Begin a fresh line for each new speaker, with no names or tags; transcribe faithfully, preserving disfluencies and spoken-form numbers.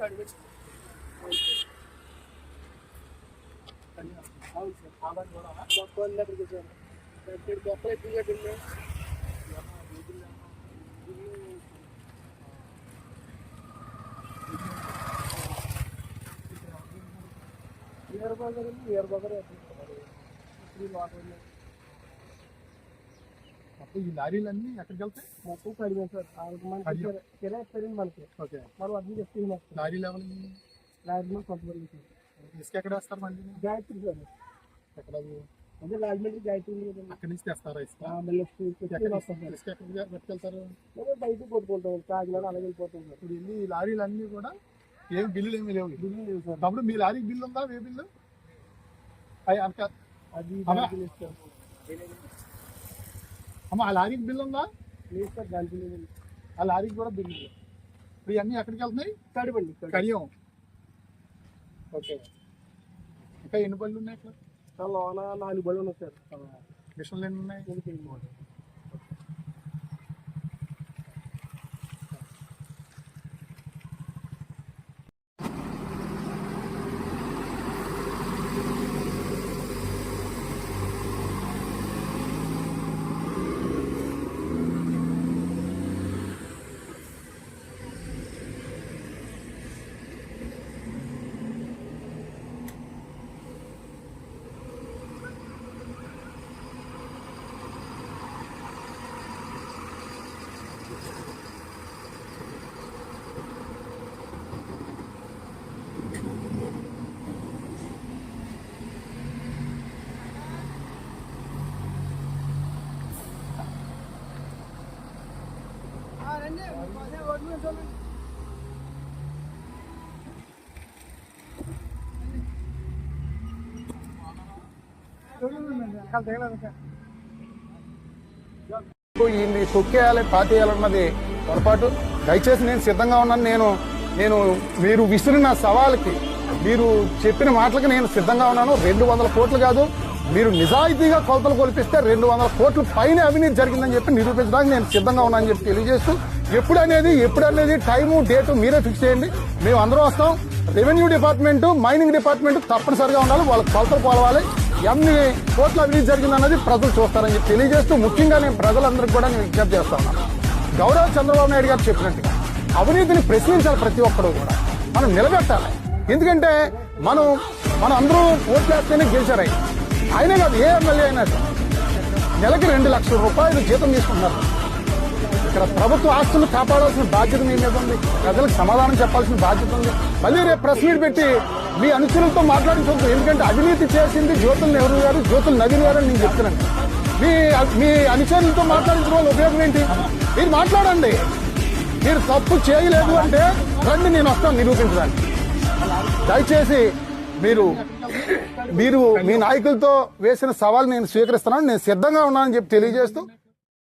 Year bugger year bugger
అప్పుడు ఈ లారీలన్నీ ఎక్కడికి వెళ్తాయి?
మొత్తం కడిమే సార్. మనకి కిరాయి ఇస్తారండి మనకి.
ఓకే,
మనం అర్థం చేస్తున్నాం.
లారీ లెవెల్
రాజమండ్రి కొంతమంది సార్.
ఇసుక ఎక్కడ వేస్తారు మళ్ళీ?
గాయత్రి సార్.
ఎక్కడ?
అదే రాజమండ్రి గాయత్రి.
అక్కడి నుంచి తెస్తారా ఇసుక?
ఇసుక
ఎక్కడికి పట్టుకెళ్తారు?
బయటకు కొట్టుకుంటాం, కాకినాడ అలాగే వెళ్ళిపోతాం సార్.
ఇప్పుడు ఇన్ని లారీలన్నీ కూడా ఏం బిల్లులు ఏమి లేవు.
బిల్లు లేవు సార్.
అప్పుడు మీ లారీకి బిల్లు ఉందా? ఏ బిల్లు? అది అమ్మ, ఆ లారీకి బిల్లు ఉందా?
లేదు సార్, దానికి లేదు.
ఆ లారీకి కూడా బిల్లు లేదు. ఇప్పుడు ఇవన్నీ ఎక్కడికి వెళ్తున్నాయి?
కడిపండి,
కడియం. ఓకే, ఇంకా ఎన్ని బళ్ళు ఉన్నాయి ఇక్కడ?
లోన నాలుగు బళ్ళు ఉన్నాయి సార్.
మిషన్లు ఎన్ని ఉన్నాయి?
ఈ తొక్కేయాలి పాతేయాలన్నది పొరపాటు. దయచేసి నేను సిద్ధంగా ఉన్నాను. నేను నేను మీరు విసిరిన సవాల్కి, మీరు చెప్పిన మాటలకి నేను సిద్ధంగా ఉన్నాను. రెండు వందల కోట్లు కాదు, మీరు నిజాయితీగా కొలతలు కొలిపిస్తే రెండు వందల కోట్ల పైన అవినీతి జరిగిందని చెప్పి నిరూపించడానికి నేను సిద్ధంగా ఉన్నానని చెప్పి తెలియజేస్తూ, ఎప్పుడు అనేది ఎప్పుడు అనేది టైము డేటు మీరే ఫిక్స్ చేయండి. మేము అందరం వస్తాం. రెవెన్యూ డిపార్ట్మెంట్, మైనింగ్ డిపార్ట్మెంట్ తప్పనిసరిగా ఉండాలి. వాళ్ళకి కొలతలు కొలవాలి. ఎన్ని కోట్ల అవినీతి జరిగిందన్నది ప్రజలు చూస్తారని చెప్పి తెలియజేస్తూ, ముఖ్యంగా నేను ప్రజలందరికీ కూడా నేను విజ్ఞప్తి చేస్తా ఉన్నాను. గౌరవ చంద్రబాబు నాయుడు గారు చెప్పినట్టుగా అవినీతిని ప్రశ్నించాలి. ప్రతి ఒక్కరు కూడా మనం నిలబెట్టాలి. ఎందుకంటే మనం మనం అందరూ ఓట్లు వేస్తేనే గెలిచారు. ఆయనే కాదు, ఏ ఎమ్మెల్యే అయినా నెలకి రెండు లక్షల రూపాయలు జీతం తీసుకుంటున్నారు. ఇక్కడ ప్రభుత్వ ఆస్తులు కాపాడాల్సిన బాధ్యత మీ మీద ఉంది. ప్రజలకు సమాధానం చెప్పాల్సిన బాధ్యత ఉంది. మళ్ళీ రేపు ప్రెస్ మీట్ పెట్టి మీ అనుచరులతో మాట్లాడించవద్దు. ఎందుకంటే అవినీతి చేసింది జ్యోతుల్ నెహ్రూ గారు, జ్యోతుల్ నవీన్ గారు అని నేను చెప్తున్నాను. మీ మీ అనుచరులతో మాట్లాడించిన వాళ్ళు ఉపయోగం ఏంటి? మీరు మాట్లాడండి. మీరు తప్పు చేయలేదు అంటే రండి, నేను వస్తాను నిరూపించడానికి. దయచేసి మీరు మీరు మీ నాయకులతో వేసిన సవాల్ నేను స్వీకరిస్తున్నాను. నేను సిద్ధంగా ఉన్నానని చెప్పి తెలియజేస్తూ